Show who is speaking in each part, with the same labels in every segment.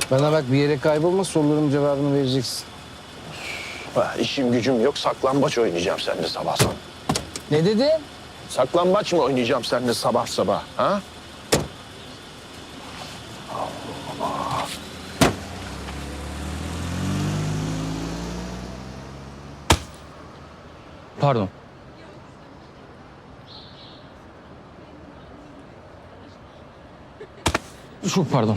Speaker 1: Bana bak, bir yere kaybolma, sorularımın cevabını vereceksin.
Speaker 2: İşim gücüm yok, saklambaç oynayacağım seninle sabah sabah.
Speaker 1: Ne dedin?
Speaker 2: Saklambaç mı oynayacağım seninle sabah sabah, ha?
Speaker 1: Pardon. Çok pardon.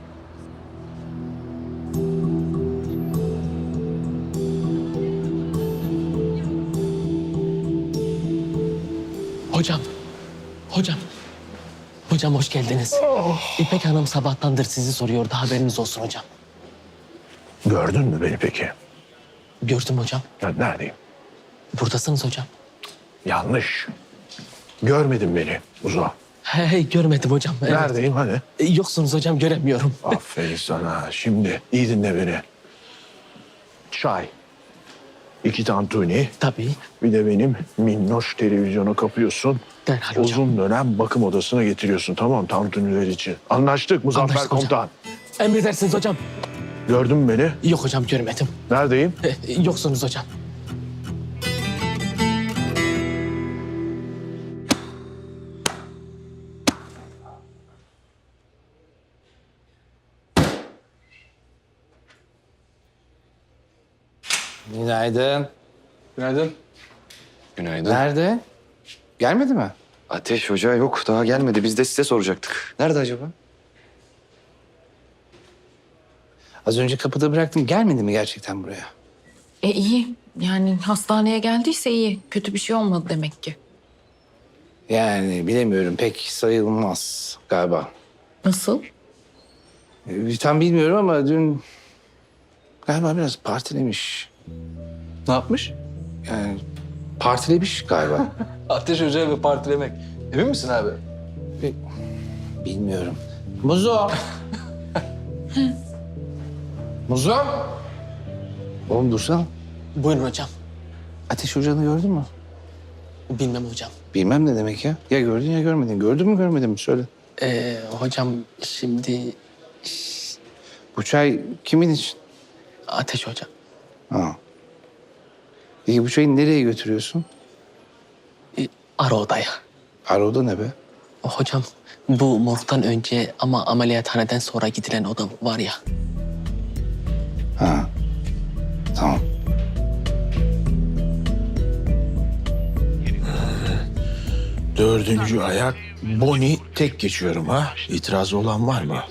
Speaker 3: Hocam, hocam. Hocam hoş geldiniz. İpek Hanım sabahtandır sizi soruyordu, haberiniz olsun hocam.
Speaker 2: Gördün mü beni peki?
Speaker 3: Gördüm hocam.
Speaker 2: Ben neredeyim?
Speaker 3: Buradasınız hocam.
Speaker 2: Yanlış. Görmedin beni Uzo.
Speaker 3: Hey, görmedim hocam. Evet.
Speaker 2: Neredeyim hani?
Speaker 3: Yoksunuz hocam, göremiyorum.
Speaker 2: Aferin sana. Şimdi iyi dinle beni. Çay. 2 tantuni.
Speaker 3: Tabii.
Speaker 2: Bir de benim minnoş televizyonu kapıyorsun.
Speaker 3: Derhal hocam.
Speaker 2: Uzun dönem bakım odasına getiriyorsun, tamam, tantuniler için. Anlaştık Muzaffer
Speaker 3: Anlaştık hocam.
Speaker 2: Komutan.
Speaker 3: Emredersiniz hocam.
Speaker 2: Gördün mü beni?
Speaker 3: Yok hocam, görmedim.
Speaker 2: Neredeyim?
Speaker 3: Yoksunuz hocam.
Speaker 1: Günaydın.
Speaker 4: Günaydın.
Speaker 5: Günaydın.
Speaker 1: Nerede? Gelmedi mi?
Speaker 5: Ateş Hoca yok, daha gelmedi. Biz de size soracaktık. Nerede acaba?
Speaker 1: Az önce kapıda bıraktım. Gelmedi mi gerçekten buraya?
Speaker 6: İyi. Yani hastaneye geldiyse iyi. Kötü bir şey olmadı demek ki.
Speaker 1: Yani bilemiyorum. Pek sayılmaz galiba.
Speaker 6: Nasıl?
Speaker 1: Tam bilmiyorum ama dün galiba biraz partilemiş.
Speaker 4: Ne yapmış?
Speaker 1: Yani partilemiş galiba.
Speaker 4: Ateş Hoca ve partilemek. Emin misin abi?
Speaker 1: Bilmiyorum. Muzo. Muzo. Oğlum dursana.
Speaker 3: Buyurun hocam.
Speaker 1: Ateş Hoca'nı gördün mü?
Speaker 3: Bilmem hocam.
Speaker 1: Bilmem ne demek ya. Ya gördün ya görmedin. Gördün mü görmedin mi söyle.
Speaker 3: Hocam şimdi
Speaker 1: Bu çay kimin için?
Speaker 3: Ateş hocam.
Speaker 1: Ha. Peki bu çayı nereye götürüyorsun?
Speaker 3: Ara odaya.
Speaker 1: Aroda ne be?
Speaker 3: Hocam bu morgdan önce ama ameliyathaneden sonra gidilen oda var ya.
Speaker 1: Ha. Tamam.
Speaker 2: Dördüncü ayak Boni tek geçiyorum ha. İtirazı olan var mı?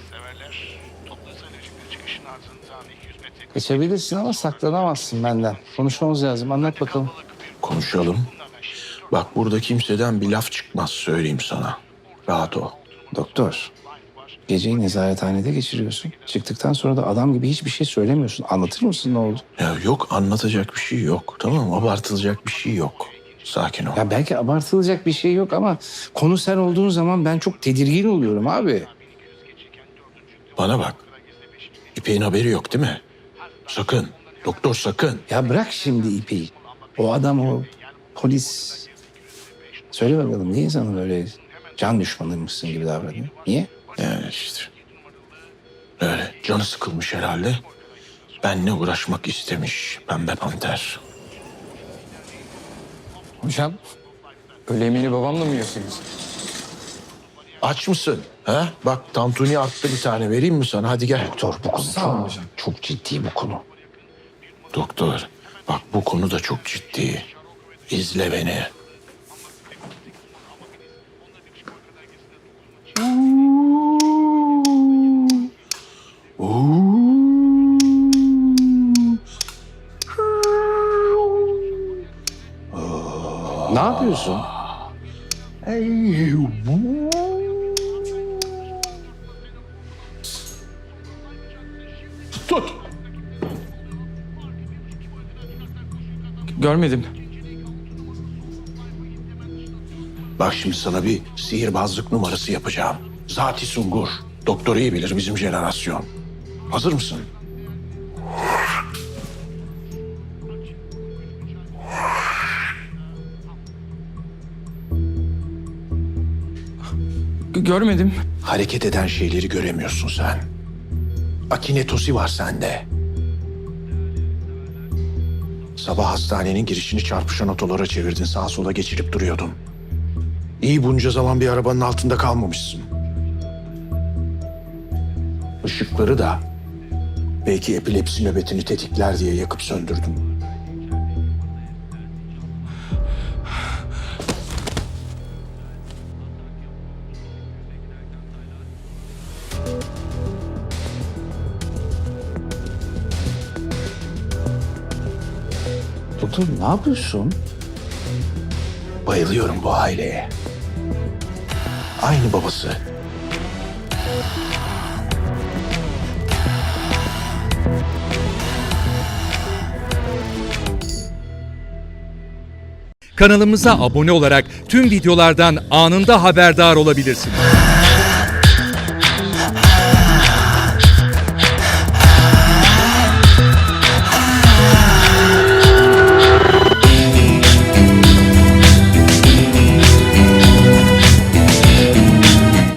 Speaker 1: Geçebilirsin ama saklanamazsın benden. Konuşmamız lazım. Anlat bakalım.
Speaker 2: Konuşalım. Bak burada kimseden bir laf çıkmaz, söyleyeyim sana. Rahat ol.
Speaker 1: Doktor, geceyi nezarethanede geçiriyorsun. Çıktıktan sonra da adam gibi hiçbir şey söylemiyorsun. Anlatır mısın ne oldu?
Speaker 2: Ya yok, anlatacak bir şey yok. Tamam mı? Abartılacak bir şey yok. Sakin ol.
Speaker 1: Ya belki abartılacak bir şey yok ama konu sen olduğun zaman ben çok tedirgin oluyorum abi.
Speaker 2: Bana bak. İpek'in haberi yok değil mi? Sakın. Doktor sakın.
Speaker 1: Ya bırak şimdi İpek'i. O adam o polis. Söyle bakalım niye sana böyle can düşmanıymışsın gibi davranıyor? Niye?
Speaker 2: Yani işte. Öyle canı sıkılmış herhalde. Benle uğraşmak istemiş Pembe Panter.
Speaker 4: Hocam, öğle yemeğini babamla mı yiyorsunuz?
Speaker 2: Aç mısın? Ha? Bak tantuni arttı, bir tane vereyim mi sana? Hadi gel.
Speaker 1: Doktor bu konu
Speaker 4: Sağ olun hocam.
Speaker 1: çok ciddi bu konu.
Speaker 2: Doktor, bak bu konu da çok ciddi. İzle beni.
Speaker 1: Ne yapıyorsun?
Speaker 2: Tut.
Speaker 4: Görmedim.
Speaker 2: Bak şimdi sana bir sihirbazlık numarası yapacağım. Zati Sungur. Doktor iyi bilir, bizim jenerasyon. Hazır mısın?
Speaker 4: Görmedim.
Speaker 2: Hareket eden şeyleri göremiyorsun sen. akinetosi var sende. Sabah hastanenin girişini çarpışan otolara çevirdin. Sağa sola geçirip duruyordun. İyi bunca zaman bir arabanın altında kalmamışsın. Işıkları da belki epilepsi nöbetini tetikler diye yakıp söndürdün.
Speaker 1: Doktor ne yapıyorsun?
Speaker 2: Bayılıyorum bu aileye. Aynı babası.
Speaker 7: Kanalımıza abone olarak tüm videolardan anında haberdar olabilirsiniz.